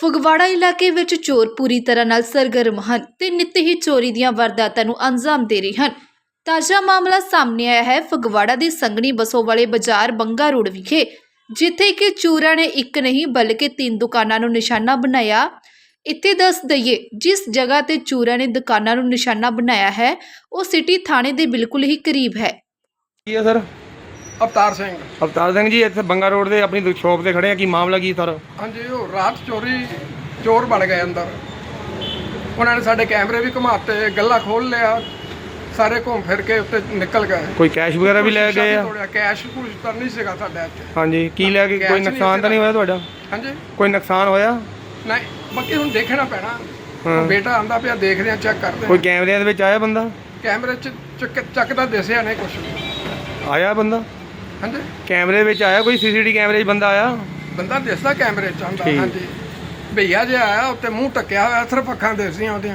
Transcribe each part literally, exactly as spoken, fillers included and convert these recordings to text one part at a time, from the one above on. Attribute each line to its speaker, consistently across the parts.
Speaker 1: ਫਗਵਾੜਾ ਇਲਾਕੇ ਵਿੱਚ ਚੋਰ ਪੂਰੀ ਤਰ੍ਹਾਂ ਨਾਲ ਸਰਗਰਮ ਹਨ ਤੇ ਨਿੱਤ ਹੀ ਚੋਰੀ ਦੀਆਂ ਵਾਰਦਾਤਾਂ ਨੂੰ ਅੰਜਾਮ ਦੇ ਰਹੇ ਹਨ। ਤਾਜ਼ਾ ਮਾਮਲਾ ਸਾਹਮਣੇ ਆਇਆ ਹੈ ਫਗਵਾੜਾ ਦੀ ਸੰਘਣੀ ਬਸੋਵਾਲੇ ਬਾਜ਼ਾਰ ਬੰਗਾ ਰੋਡ ਵਿਖੇ, ਜਿੱਥੇ ਕਿ ਚੋਰਾਂ ਨੇ ਇੱਕ ਨਹੀਂ ਬਲਕਿ ਤਿੰਨ ਦੁਕਾਨਾਂ ਨੂੰ ਨਿਸ਼ਾਨਾ ਬਣਾਇਆ। ਇੱਥੇ ਦੱਸ ਦਈਏ, ਜਿਸ ਜਗ੍ਹਾ ਤੇ ਚੋਰਾਂ ਨੇ ਦੁਕਾਨਾਂ ਨੂੰ ਨਿਸ਼ਾਨਾ ਬਣਾਇਆ ਹੈ ਉਹ ਸਿਟੀ ਥਾਣੇ ਦੇ ਬਿਲਕੁਲ ਹੀ ਕਰੀਬ ਹੈ।
Speaker 2: ਕੀ ਹੈ ਸਰ?
Speaker 3: ਅਵਤਾਰ ਸਿੰਘ।
Speaker 2: ਅਵਤਾਰ ਸਿੰਘ ਜੀ, ਇੱਥੇ ਬੰਗਾ ਰੋਡ ਦੇ ਆਪਣੀ ਸ਼ੌਪ ਤੇ ਖੜੇ ਆ, ਕੀ ਮਾਮਲਾ ਕੀ ਸਰ?
Speaker 3: ਹਾਂਜੀ, ਉਹ ਰਾਤ ਚੋਰੀ ਚੋਰ ਬਣ ਗਏ ਅੰਦਰ। ਉਹਨਾਂ ਨੇ ਸਾਡੇ ਕੈਮਰੇ ਵੀ ਘੁਮਾਤੇ, ਗੱਲਾ ਖੋਲ ਲਿਆ, ਸਾਰੇ ਘੁੰਮ ਫਿਰ ਕੇ ਉੱਤੇ ਨਿਕਲ ਗਏ।
Speaker 2: ਕੋਈ ਕੈਸ਼ ਵਗੈਰਾ ਵੀ ਲੈ ਗਏ ਆ?
Speaker 3: ਕੈਸ਼ ਕੁਝ ਤਾਂ ਨਹੀਂ ਸੀਗਾ ਸਾਡੇ ਇੱਥੇ।
Speaker 2: ਹਾਂਜੀ, ਕੀ ਲੈ ਕੇ? ਕੋਈ ਨੁਕਸਾਨ ਤਾਂ ਨਹੀਂ ਹੋਇਆ ਤੁਹਾਡਾ?
Speaker 3: ਹਾਂਜੀ,
Speaker 2: ਕੋਈ ਨੁਕਸਾਨ ਹੋਇਆ?
Speaker 3: ਨਹੀਂ, ਬਾਕੀ ਹੁਣ ਦੇਖਣਾ ਪੈਣਾ। ਹਾਂ, ਬੇਟਾ ਆਂਦਾ ਪਿਆ, ਦੇਖਦੇ ਆ, ਚੈੱਕ ਕਰਦੇ।
Speaker 2: ਕੋਈ ਕੈਮਰਿਆਂ ਦੇ ਵਿੱਚ ਆਇਆ ਬੰਦਾ?
Speaker 3: ਕੈਮਰੇ 'ਚ ਚੱਕ ਚੱਕਦਾ ਦਿਸਿਆ ਨਹੀਂ ਕੁਝ।
Speaker 2: ਆਇਆ ਬੰਦਾ?
Speaker 3: ਹਾਂਜੀ,
Speaker 2: ਕੈਮਰੇ ਵਿੱਚ ਆਇਆ ਕੋਈ? ਸੀਸੀਟੀ ਕੈਮਰੇ 'ਚ ਬੰਦਾ ਆਇਆ?
Speaker 3: ਬੰਦਾ ਦਿਸਦਾ ਕੈਮਰੇ 'ਚ ਆਂਦਾ। ਹਾਂਜੀ, ਭਈਆ ਜਿਹਾ ਆਇਆ, ਉੱਤੇ ਮੂੰਹ ਟੱਕਿਆ ਹੋਇਆ, ਸਿਰਫ ਅੱਖਾਂ ਦਿਸਦੀਆਂ ਉਹਦੀਆਂ।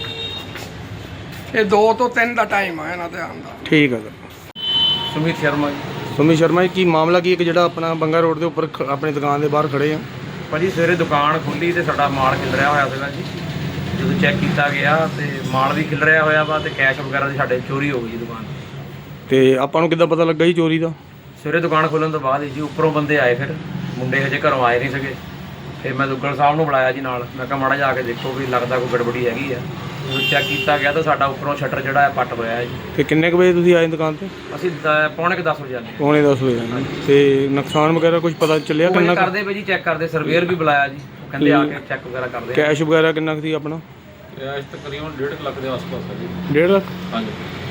Speaker 3: ਇਹ ਦੋ ਤੋਂ ਤਿੰਨ ਦਾ ਟਾਈਮ ਆ ਇਹਨਾਂ ਦੇ ਆਉਣ ਦਾ।
Speaker 2: ਠੀਕ ਹੈ ਸਰ।
Speaker 4: ਸੁਮੀਤ ਸ਼ਰਮਾ ਜੀ।
Speaker 2: ਸੁਮੀਤ ਸ਼ਰਮਾ ਜੀ, ਕੀ ਮਾਮਲਾ ਕੀ ਇੱਕ ਜਿਹੜਾ ਆਪਣਾ ਬੰਗਾ ਰੋਡ ਦੇ ਉੱਪਰ ਖ- ਆਪਣੀ ਦੁਕਾਨ ਦੇ ਬਾਹਰ ਖੜੇ ਆ?
Speaker 4: ਭਾਜੀ ਸਵੇਰੇ ਦੁਕਾਨ ਖੁੱਲੀ ਤੇ ਸਾਡਾ ਮਾਲ ਖਿਲਰਿਆ ਹੋਇਆ ਸੀਗਾ ਜੀ। ਜਦੋਂ ਚੈੱਕ ਕੀਤਾ ਗਿਆ ਤੇ ਮਾਲ ਵੀ ਖਿਲਰਿਆ ਹੋਇਆ ਵਾ ਤੇ ਕੈਸ਼ ਵਗੈਰਾ ਦੀ ਸਾਡੇ ਚੋਰੀ ਹੋ ਗਈ ਜੀ ਦੁਕਾਨ ਤੋਂ।
Speaker 2: ਤੇ ਆਪਾਂ ਨੂੰ ਕਿੱਦਾਂ ਪਤਾ ਲੱਗਾ ਜੀ ਚੋਰੀ ਦਾ?
Speaker 4: ਸਵੇਰੇ ਦੁਕਾਨ ਖੋਲ੍ਹਣ ਤੋਂ ਬਾਅਦ ਜੀ ਉੱਪਰੋਂ ਬੰਦੇ ਆਏ, ਫਿਰ ਮੁੰਡੇ ਹਜੇ ਘਰੋਂ ਆਏ ਨਹੀਂ ਸੀਗੇ। ਫਿਰ ਮੈਂ ਦੁੱਗਲ ਸਾਹਿਬ ਨੂੰ ਬੁਲਾਇਆ ਜੀ ਨਾਲ। ਮੈਂ ਕਿਹਾ ਮਾੜਾ ਜਾ ਕੇ ਦੇਖੋ ਵੀ ਲੱਗਦਾ ਕੋਈ ਗੜਬੜੀ ਹੈਗੀ ਆ। ਜਦੋਂ ਚੈੱਕ ਕੀਤਾ ਗਿਆ ਤਾਂ ਸਾਡਾ ਉੱਪਰੋਂ ਸ਼ਟਰ ਜਿਹੜਾ ਹੈ ਪੱਟ ਹੋਇਆ ਹੈ ਜੀ।
Speaker 2: ਤੇ ਕਿੰਨੇ ਕੁ ਵਜੇ ਤੁਸੀਂ ਆਏ ਦੁਕਾਨ ਤੇ?
Speaker 4: ਅਸੀਂ ਦ- ਪੌਣੇ ਕੁ ਦਸ ਵਜੇ ਆਏ।
Speaker 2: ਪੌਣੇ ਦਸ ਵਜੇ ਆਏ। ਤੇ ਨੁਕਸਾਨ ਵਗੈਰਾ ਕੁਝ ਪਤਾ ਚੱਲਿਆ
Speaker 4: ਉਹ
Speaker 2: ਕਿੰਨਾ
Speaker 4: ਹਜੇ ਕਰਦੇ ਪਏ ਜੀ, ਚੈੱਕ ਕਰਦੇ। ਸਰਵੇਅਰ ਵੀ ਬੁਲਾਇਆ ਜੀ, ਉਹ ਕਹਿੰਦੇ ਆ ਕੇ ਚੈੱਕ ਵਗੈਰਾ ਕਰਦੇ ਆ।
Speaker 2: ਕੈਸ਼ ਵਗੈਰਾ ਕਿੰਨਾ ਕੁ ਸੀ ਆਪਣਾ?
Speaker 4: ਕੈਸ਼ ਤਕਰੀਬਨ ਡੇਢ ਲੱਖ ਦੇ ਆਸ-ਪਾਸ ਹੈ ਜੀ।
Speaker 2: ਡੇਢ ਲੱਖ?
Speaker 4: ਹਾਂਜੀ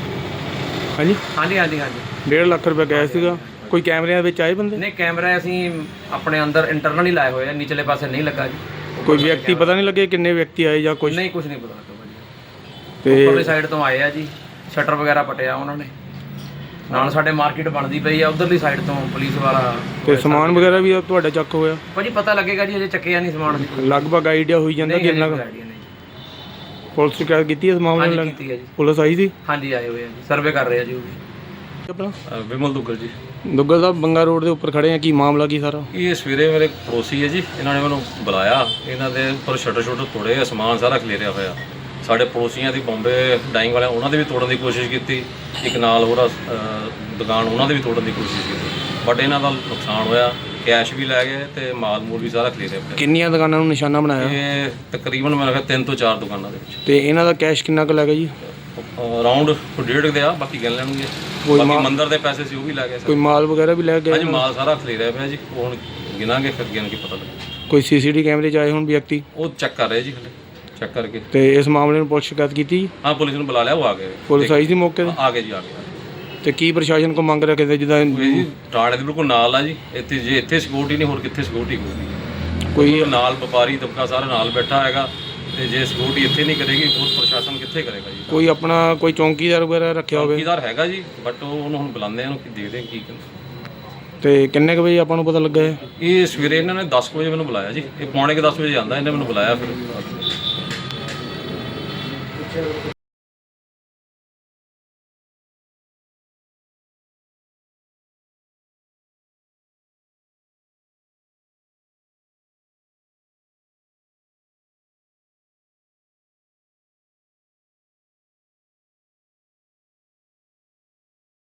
Speaker 2: ਹਾਂਜੀ
Speaker 4: ਹਾਂਜੀ ਹਾਂਜੀ ਹਾਂਜੀ
Speaker 2: ਡੇਢ ਲੱਖ ਰੁਪਏ ਕੈਸ਼ ਸੀਗਾ। ਕੋਈ ਕੈਮਰਿਆਂ ਵਿੱਚ ਆਏ ਬੰਦੇ?
Speaker 4: ਨਹੀਂ, ਕੈਮਰਾ ਅਸੀਂ ਆਪਣੇ ਅੰਦਰ ਇੰਟਰਨਲ ਹੀ ਲਾਏ ਹੋਏ ਆ, ਨਿਚਲੇ ਪਾਸੇ ਨਹੀਂ ਲੱਗਾ ਜੀ।
Speaker 2: ਕੋਈ ਵਿਅਕਤੀ ਪਤਾ ਨਹੀਂ ਲੱਗੇ ਕਿੰਨੇ ਵਿਅਕਤੀ ਆਏ ਜਾਂ ਕੁਝ?
Speaker 4: ਨਹੀਂ, ਕੁਝ ਨਹੀਂ ਪਤਾ ਲੱਗਾ ਭਾਜੀ।
Speaker 2: ਤੇ
Speaker 4: ਉੱਪਰਲੀ ਸਾਈਡ ਤੋਂ ਆਏ ਆ ਜੀ, ਸ਼ਟਰ ਵਗੈਰਾ ਪਟਿਆ ਉਹਨਾਂ ਨੇ। ਨਾਲ ਸਾਡੇ ਮਾਰਕੀਟ ਬਣਦੀ ਪਈ ਆ, ਉਧਰਲੀ ਸਾਈਡ ਤੋਂ ਪੁਲਿਸ ਵਾਲਾ।
Speaker 2: ਤੇ ਸਮਾਨ ਵਗੈਰਾ ਵੀ ਤੁਹਾਡਾ ਚੱਕ ਹੋਇਆ?
Speaker 4: ਭਾਜੀ ਪਤਾ ਲੱਗੇਗਾ ਜੀ, ਅਜੇ ਚੱਕਿਆ ਨਹੀਂ ਸਮਾਨ।
Speaker 2: ਲਗਭਗ ਆਈਡੀਆ ਹੋਈ ਜਾਂਦਾ
Speaker 4: ਨਹੀਂ,
Speaker 2: ਕਿੰਨਾ
Speaker 4: ਹਜੇ
Speaker 2: ਕੁ?
Speaker 4: ਕੋਈ idea ਨਹੀਂ।
Speaker 2: ਪੁਲਿਸ ਸ਼ਿਕਾਇਤ ਕੀਤੀ ਇਸ ਮਾਮਲੇ
Speaker 4: ਹਾਂਜੀ
Speaker 2: ਨਾਲ?
Speaker 4: ਕੀਤੀ ਹੈ ਜੀ।
Speaker 2: ਪੁਲਿਸ ਆਈ ਸੀ?
Speaker 4: ਹਾਂਜੀ ਆਏ ਹੋਏ ਆ ਜੀ, ਸਰਵੇ ਕਰ ਰਹੇ ਆ ਜੀ ਉਹ ਵੀ।
Speaker 2: ਆਪਣਾ
Speaker 5: ਵਿਮਲ ਦੁੱਗਲ ਜੀ।
Speaker 2: ਦੁੱਗਲ ਸਾਹਿਬ, ਬੰਗਾ ਰੋਡ ਦੇ ਉੱਪਰ ਖੜੇ ਆ, ਕੀ ਮਾਮਲਾ ਕੀ ਸਾਰਾ?
Speaker 5: ਇਹ ਸਵੇਰੇ ਮੇਰੇ ਪੜੋਸੀ ਹੈ ਜੀ, ਇਹਨਾਂ ਨੇ ਮੈਨੂੰ ਬੁਲਾਇਆ। ਇਹਨਾਂ ਦੇ ਉੱਪਰ ਸ਼ਟਰ ਸ਼ਟਰ ਤੋੜੇ, ਸਮਾਨ ਸਾਰਾ ਖਲੇਰਿਆ ਹੋਇਆ। ਸਾਡੇ ਪੜੋਸੀਆਂ ਦੀ ਬੰਬੇ ਡਾਈਂਗ ਵਾਲਿਆਂ ਉਹਨਾਂ ਦੇ ਵੀ ਤੋੜਨ ਦੀ ਕੋਸ਼ਿਸ਼ ਕੀਤੀ। ਇੱਕ ਨਾਲ ਹੋਰ ਦੁਕਾਨ ਉਹਨਾਂ ਦੇ ਵੀ ਤੋੜਨ ਦੀ ਕੋਸ਼ਿਸ਼ ਕੀਤੀ, ਬਟ ਇਹਨਾਂ ਦਾ ਨੁਕਸਾਨ ਹੋਇਆ। ਕੈਸ਼ ਵੀ ਲੈ ਗਏ ਤੇ ਮਾਲ ਮੂਲ ਵੀ ਸਾਰਾ ਖਲੇਰਿਆ ਪਿਆ।
Speaker 2: ਕਿੰਨੀਆਂ ਦੁਕਾਨਾਂ ਨੂੰ ਨਿਸ਼ਾਨਾ ਬਣਾਇਆ?
Speaker 5: ਇਹ ਤਕਰੀਬਨ ਮੈਨੂੰ ਲੱਗਦਾ ਤਿੰਨ ਤੋਂ ਚਾਰ ਦੁਕਾਨਾਂ ਦੇ ਵਿੱਚ।
Speaker 2: ਤੇ ਇਹਨਾਂ ਦਾ ਕੈਸ਼ ਕਿੰਨਾ ਕੁ ਲੱਗਾ ਜੀ?
Speaker 5: ਅਰਾਊਂਡ ਡੇਢ ਦੇ ਆ, ਬਾਕੀ ਗਿਣ ਲੈਣਗੇ।
Speaker 2: ਕੋਈ
Speaker 5: ਬਾਕੀ
Speaker 2: ਮਾਲ-
Speaker 5: ਮੰਦਰ ਦੇ ਪੈਸੇ ਸੀ ਉਹ ਵੀ ਲੈ ਗਏ
Speaker 2: ਕੋਈ
Speaker 5: ਸਰ।
Speaker 2: ਮਾਲ ਵਗੈਰਾ ਵੀ ਲੈ ਗਏ?
Speaker 5: ਹਾਂਜੀ, ਮਾਲ ਸਾਰਾ ਖਲੇਰਿਆ ਪਿਆ ਜੀ। ਉਹ ਹੁਣ ਗਿਣਾਂਗੇ, ਫਿਰ ਗਿਣ ਕੇ ਪਤਾ ਲੱਗੇ।
Speaker 2: ਕੋਈ ਸੀਸੀਟੀ ਕੈਮਰੇ 'ਚ ਆਏ ਹੁਣ ਵਿਅਕਤੀ?
Speaker 5: ਉਹ ਚੈੱਕ ਕਰ ਰਹੇ ਜੀ, ਹਲੇ ਚੈੱਕ ਕਰਕੇ।
Speaker 2: ਤੇ ਇਸ ਮਾਮਲੇ ਨੂੰ ਪੁਲਿਸ ਸ਼ਿਕਾਇਤ ਕੀਤੀ ਜੀ?
Speaker 5: ਹਾਂ, ਪੁਲਿਸ ਨੂੰ ਬੁਲਾ ਲਿਆ, ਉਹ ਆ ਗਏ।
Speaker 2: ਪੁਲਿਸ ਆਈ ਸੀ ਮੌਕੇ ਤੇ?
Speaker 5: ਆ ਗਏ ਜੀ, ਆ ਗਏ।
Speaker 2: ਤੇ ਕੀ ਪ੍ਰਸ਼ਾਸਨ ਕੋ ਮੰਗ ਰੱਖਦੇ ਜਿੱਦਾਂ
Speaker 5: ਇਹ ਜੀ ਟਾੜੇ ਦੇ ਬਿਲਕੁਲ ਨਾਲ ਆ ਜੀ। ਇੱਥੇ ਜੇ ਇੱਥੇ ਸਿਕਿਉਰਿਟੀ ਨਹੀਂ, ਹੋਰ ਕਿੱਥੇ ਸਿਕਿਉਰਿਟੀ ਹੋਊਗੀ?
Speaker 2: ਕੋਈ
Speaker 5: ਨਾਲ ਵਪਾਰੀ ਤਬਕਾ ਸਾਰਾ ਨਾਲ ਬੈਠਾ ਹੈਗਾ, ਤੇ ਜੇ ਸਿਕਿਉਰਿਟੀ ਇੱਥੇ ਨਹੀਂ ਕਰੇਗੀ, ਹੋਰ ਪ੍ਰਸ਼ਾਸਨ ਕਿੱਥੇ ਕਰੇਗਾ ਜੀ?
Speaker 2: ਕੋਈ ਆਪਣਾ ਕੋਈ ਚੌਂਕੀਦਾਰ ਵਗੈਰਾ ਰੱਖਿਆ ਹੋਵੇ?
Speaker 5: ਚੌਕੀਦਾਰ ਹੈਗਾ ਜੀ, ਬਟ ਉਹ ਉਹਨੂੰ ਹੁਣ ਬੁਲਾਉਂਦੇ ਆ, ਉਹਨੂੰ ਦੇਖਦੇ ਆ ਕੀ ਕਹਿੰਦੇ।
Speaker 2: ਤੇ ਕਿੰਨੇ ਕੁ ਵਜੇ ਆਪਾਂ ਨੂੰ ਪਤਾ ਲੱਗਾ ਹੈ?
Speaker 5: ਇਹ ਸਵੇਰੇ ਇਹਨਾਂ ਨੇ ਦਸ ਕੁ ਵਜੇ ਮੈਨੂੰ ਬੁਲਾਇਆ ਜੀ। ਇਹ ਪੌਣੇ ਕੁ ਦਸ ਵਜੇ ਆਉਂਦਾ, ਇਹਨੇ ਮੈਨੂੰ ਬੁਲਾਇਆ ਫਿਰ।